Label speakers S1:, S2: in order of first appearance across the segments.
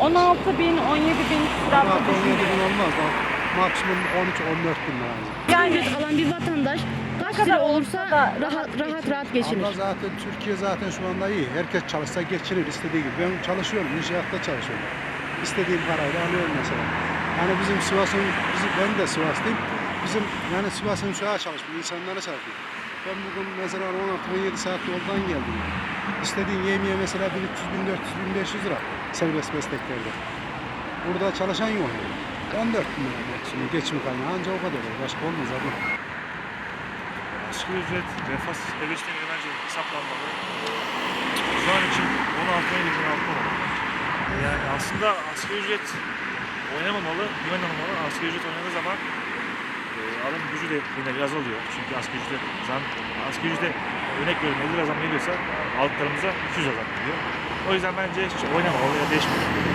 S1: 16.000, 17.000 küsuratlı
S2: 17 bin olmaz. Maksimum 13-14 bin lazım.
S1: Yani
S3: Ücret alan bir vatandaş kaç
S1: kadar
S3: lira
S1: olsa
S3: olursa
S1: da
S3: rahat geçinir.
S2: Ama zaten Türkiye zaten şu anda iyi. Herkes çalışsa geçinir istediği gibi. Ben çalışıyorum, inşaatta çalışıyorum. İstediğim parayla alıyorum mesela. Yani bizim Sivas'ın, ben de Sivaslıyım. Bizim yani Sivas'ın şu an çalışmıyor, insanlara çalışıyor. Ben bugün mesela 16-17 saat yoldan geldim. İstediğin yemeğe mesela 1300, 1400, 1500 lira serbest mesleklerde. Burada çalışan yok yani. 14 bin lira maksimum geçim kaynağı ancak o kadar olur. Başka olmaz abi.
S4: Asgari ücret refah seviyesine bence hesaplanmalı. Şu an için 16-17 bin altı olmalı. Yani aslında asgari ücret oynamamalı, oynamamalı. Asgari ücret oynadığı zaman alım gücü de yine biraz oluyor. Çünkü asgari ücret zam, asgari ücret örnek veriyorum 50 lira zam geliyorsa aldıklarımıza 200 lira zam geliyor. O yüzden bence hiç oynamamalı ya değişmemeli.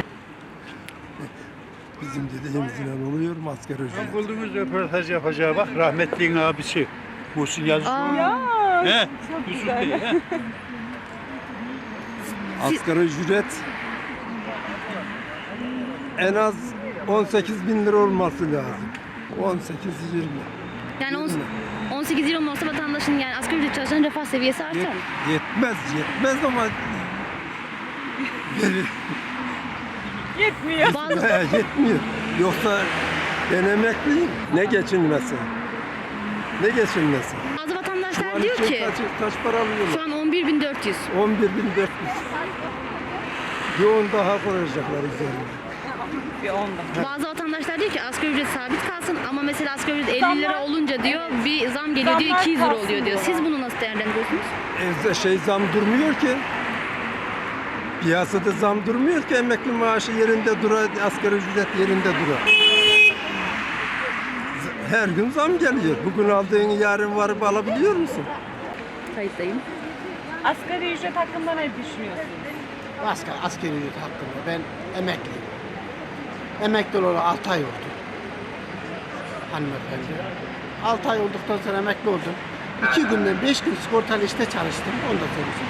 S5: Bizim dediğimizle oluyor mu asgari ücret?
S6: Bulduğumuz röportaj yapacağı bak rahmetliğin abisi. Muhsin Yazıcı.
S1: ya
S6: He?
S1: çok
S6: Yusuf
S1: güzel.
S6: Bey. He?
S5: Asgari ücret en az 18 bin lira olması lazım. 18-20.
S3: Yani 18 lira olmasa vatandaşın yani asgari ücret çalışanın refah seviyesi artar.
S5: Yetmez ama
S1: Yetmiyor.
S3: Bazı,
S5: yetmiyor. Yoksa ben emekliyim. Ne geçinmesi? Ne geçinmesi?
S3: bazı vatandaşlar
S5: Şu an
S3: diyor
S5: için
S3: ki
S5: kaç para alıyorlar?
S3: şu an 11.400.
S5: 11.400. Bir 10 daha koyacaklar üzerine.
S1: Bir 10'da.
S3: Bazı vatandaşlar diyor ki asgari ücret sabit kalsın ama mesela asgari ücret 50
S1: Zamlar-
S3: lira olunca diyor bir zam geliyor diyor
S1: Zamlar
S3: 200 lira
S1: kalsın
S3: oluyor diyor. Siz
S1: diyorlar.
S3: bunu nasıl değerlendiriyorsunuz?
S5: Zam durmuyor ki. Piyasada zam durmuyor ki, emekli maaşı yerinde durar, asgari ücret yerinde durar. Her gün zam geliyor. Bugün aldığın yarın varıp alabiliyor musun?
S3: Kayıttayım.
S1: Asgari ücret hakkında ne düşünüyorsunuz?
S7: Askeri ücret hakkında ben emekliyim. Emekli olalı 6 ay oldu. Hanımefendi. 6 ay olduktan sonra emekli oldum. 2 günden 5 gün sigortalı işte çalıştım. Onu da söyleyeyim.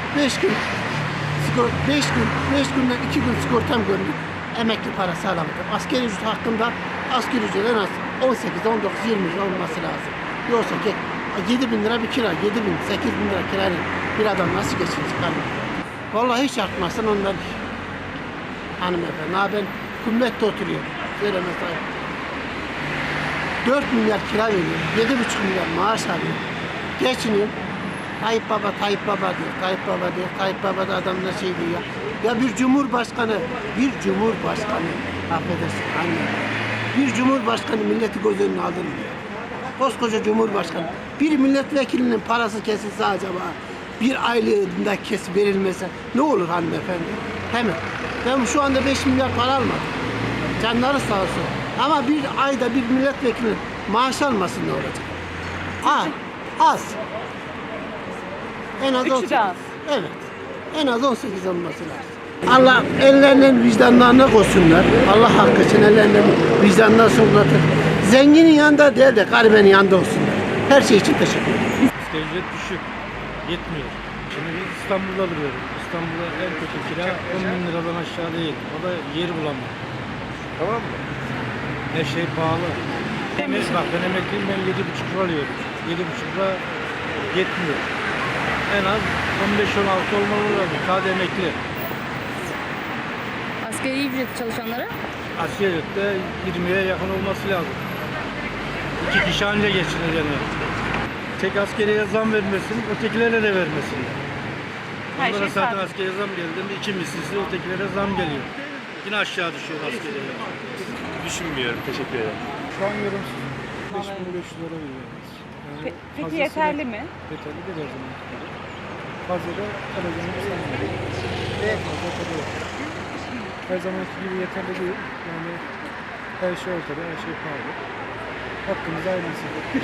S7: 5 günden 2 gün sigortam gördüm. Emekli parası alamadım. Asgari ücret hakkında asgari ücret en az 18, 19, 20 lira olması lazım. Yoksa ki 7 bin lira bir kira, 7 bin, 8 bin lira kirayla bir adam nasıl geçinecek hanımefendi? Vallahi hiç artmasın ondan hanımefendi. Ha ben Kumlet'te oturuyorum. Söylemez ayıp. 4 milyar kira veriyorum. 7,5 milyar maaş alıyorum. Geçiniyorum. Tayyip Baba, Tayyip Baba diyor. Tayyip Baba diyor. Tayyip Baba da adamla şey diyor. Ya bir cumhurbaşkanı, affedersin anne. Bir cumhurbaşkanı milleti göz önüne aldırmıyor. Koskoca cumhurbaşkanı. Bir milletvekilinin parası kesilse acaba, bir aylığında verilmese ne olur hanımefendi? Hemen. Ben şu anda 5 milyar para almadım. Canları sağ olsun. Ama bir ayda bir milletvekilinin maaş almasın ne olacak? Az. En az
S1: Üçü
S7: 18.
S1: de az.
S7: Evet. En az 18 olması lazım. Allah ellerinin vicdanlarına koysunlar. Allah hakkı için ellerinin vicdanlarına sunlatır. Zenginin yanında değil de garibenin yanında olsunlar. Her şey için teşekkür ederim.
S8: Asgari ücret düşük. Yetmiyor. Şimdi biz İstanbul'da duruyoruz. İstanbul'da en kötü kira 10 bin liradan aşağı değil. O da yer bulamıyor. Tamam mı? Her şey pahalı. Bak ben emekliyim, ben 7,5 lira alıyorum. 7,5 lira yetmiyor. En az 15-16 olmalı lazım. Sadece emekli.
S3: Asgari ücret çalışanlara
S8: Asgari ücrette 20'ye yakın olması lazım. 2 kişi anca geçinir yani. Tek askeriye zam vermesin, ötekilere de vermesin.
S1: Her
S8: Onlara
S1: şey
S8: zaten
S1: sabit.
S8: askeriye zam geldiğinde 2 mislisi ötekilere zam geliyor. Yine aşağı düşüyor askeriye.
S4: Düşünmüyorum. Teşekkür ederim.
S2: Şu an yorumsuz. 5500 lira veriyoruz. Yani
S1: Peki
S2: fazlasıyla-
S1: yeterli mi?
S2: Yeterli değil her zaman. Fazla da alacağını sanmıyorum. Fazla tabii yok. Her zamanki gibi yeterli değil. Yani her şey ortada, her şey pahalı. Hakkımız ailesi.